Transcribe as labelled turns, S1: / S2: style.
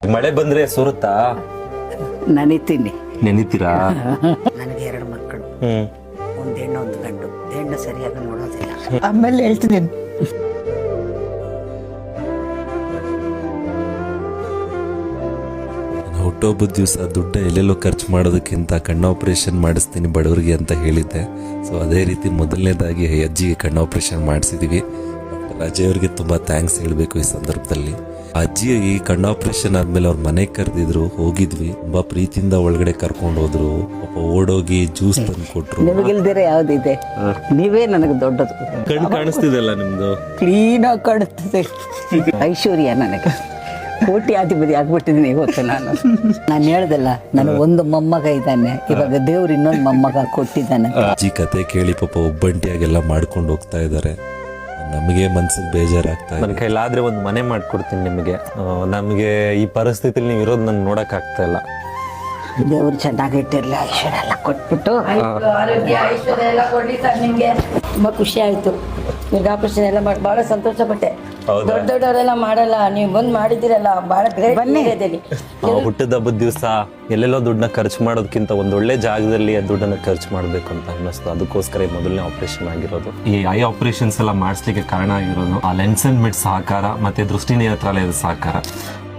S1: ಮಳೆ ಬಂದ್ರೆ ಸುರುತ್ತಾ?
S2: ನನಿತೀನಿ.
S1: ನೆನಿತೀರಾ?
S2: ನನಗೆ 2 ಮಕ್ಕಳು,
S1: ಹ್ಮ್.
S2: ಒಂದು ಹೆಣ್ಣು ಒಂದು ಗಂಡು. ಹೆಣ್ಣು ಸರಿಯಾಗಿ ನೋಡೋದಿಲ್ಲ.
S3: ಆಮೇಲೆ ಹೇಳ್ತೀನಿ.
S4: ಹುಟ್ಟುಹಬ್ಬದ ದಿವಸ ದುಡ್ಡ ಎಲ್ಲೆಲ್ಲೋ ಖರ್ಚು ಮಾಡೋದಕ್ಕಿಂತ ಕಣ್ಣು ಆಪರೇಷನ್ ಮಾಡಿಸ್ತೀನಿ ಬಡವರಿಗೆ ಅಂತ ಹೇಳಿದ್ದೆ. ಸೊ ಅದೇ ರೀತಿ ಮೊದಲನೇದಾಗಿ ಅಜ್ಜಿಗೆ ಕಣ್ಣು ಆಪರೇಷನ್ ಮಾಡಿಸಿದೀವಿ. ಡಾಕ್ಟರ್ ಅಜಯ್ ಅವ್ರಿಗೆ ತುಂಬ ಥ್ಯಾಂಕ್ಸ್ ಹೇಳಬೇಕು ಈ ಸಂದರ್ಭದಲ್ಲಿ. ಅಜ್ಜಿ ಈ ಕಣ್ಣು ಆಪರೇಷನ್ ಆದ್ಮೇಲೆ ಅವ್ರ ಮನೆಗೆ ಕರೆದಿದ್ರು, ಹೋಗಿದ್ವಿ. ತುಂಬಾ ಪ್ರೀತಿಯಿಂದ ಒಳಗಡೆ ಕರ್ಕೊಂಡು ಹೋದ್ರು. ಪಾಪ ಓಡೋಗಿ ಜ್ಯೂಸ್ ತಂದು ಕೊಟ್ರು.
S2: ನಿಮಗಿಲ್ದಿರ ಯಾವ್ದಿದೆ? ನೀವೇ ನನಗೆ ದೊಡ್ಡದು.
S1: ಕಣ್ಣು ಕಾಣಿಸ್ತಿದಲ್ಲ ನಿಮ್ದು?
S2: ಕ್ಲೀನಾಗಿ ಕಾಣುತ್ತದೆ. ಐಶ್ವರ್ಯ ನನಗೆ. ಕೋಟ್ಯಾಧಿಪತಿ ಆಗ್ಬಿಟ್ಟಿದ್ದೀನಿ ಇವತ್ತು ನಾನು ಹೇಳ್ದಲ್ಲ, ನನಗೆ ಒಂದು ಮೊಮ್ಮಗ ಇದ್ದಾನೆ, ಇವಾಗ ದೇವ್ರು ಇನ್ನೊಂದು ಮೊಮ್ಮಗ ಕೊಟ್ಟಿದ್ದಾನೆ.
S4: ಅಜ್ಜಿ ಕತೆ ಕೇಳಿ ಪಾಪ ಒಬ್ಬಂಟಿಯಾಗೆಲ್ಲ ಮಾಡ್ಕೊಂಡು ಹೋಗ್ತಾ ಇದ್ದಾರೆ. ನಮಗೆ ಮನ್ಸಿಗೆ ಬೇಜಾರಾಗ್ತಾ ಇದೆ.
S1: ನನ್ನ ಕೈಲಾದ್ರೆ ಒಂದು ಮನೆ ಮಾಡ್ಕೊಡ್ತೀನಿ ನಿಮಗೆ. ನಮಗೆ ಈ ಪರಿಸ್ಥಿತಿಲಿ ನೀವು ಇರೋದು ನನ್ಗೆ ನೋಡಕ್ ಆಗ್ತಾ ಇಲ್ಲ.
S2: ದೇವ್ರು ಚೆನ್ನಾಗಿಟ್ಟಿರ್ಲಿ, ಐಶ್ವರ್ಯ ಎಲ್ಲ ಕೊಟ್ಬಿಟ್ಟು.
S3: ಆರೋಗ್ಯ ಐಶ್ವರ್ಯ ಎಲ್ಲ ಕೊಡ್ಲಿ ಸರ್ ನಿಮ್ಗೆ. ತುಂಬಾ ಖುಷಿ ಆಯ್ತು. ಈಗ ಆಪರೇಷನ್ ಎಲ್ಲ ಮಾಡಿ ಬಹಳ ಸಂತೋಷ ಪಟ್ಟೆ. ದೊಡ್ಡ ದೊಡ್ಡವರೆಲ್ಲ ಮಾಡಲ್ಲ, ನೀವು ಬಂದು ಮಾಡಿದಿರಲ್ಲ, ಬಹಳ ಗ್ರೇಟ್.
S1: ಹುಟ್ಟಿದ ಹಬ್ಬದ ದಿವಸ ಎಲ್ಲೆಲ್ಲೋ ದುಡ್ಡನ್ನ ಖರ್ಚು ಮಾಡೋದಕ್ಕಿಂತ ಒಂದೊಳ್ಳೆ ಜಾಗದಲ್ಲಿ ಆ ದುಡ್ಡನ್ನ ಖರ್ಚು ಮಾಡ್ಬೇಕು ಅಂತ ಅನ್ನಿಸ್ತು. ಅದಕ್ಕೋಸ್ಕರ ಈ ಮೊದಲನೇ ಆಪರೇಷನ್ ಆಗಿರೋದು. ಈ ಐ ಆಪರೇಷನ್ಸ್ ಎಲ್ಲ ಮಾಡಿಸ್ಲಿಕ್ಕೆ ಕಾರಣ ಆಗಿರೋದು ಆ ಲೆನ್ಸ್ ಅಂಡ್ ಮಿಡ್ ಸಹಕಾರ ಮತ್ತೆ ದೃಷ್ಟಿ ನೇತ್ರಾಲಯದ ಸಹಕಾರ.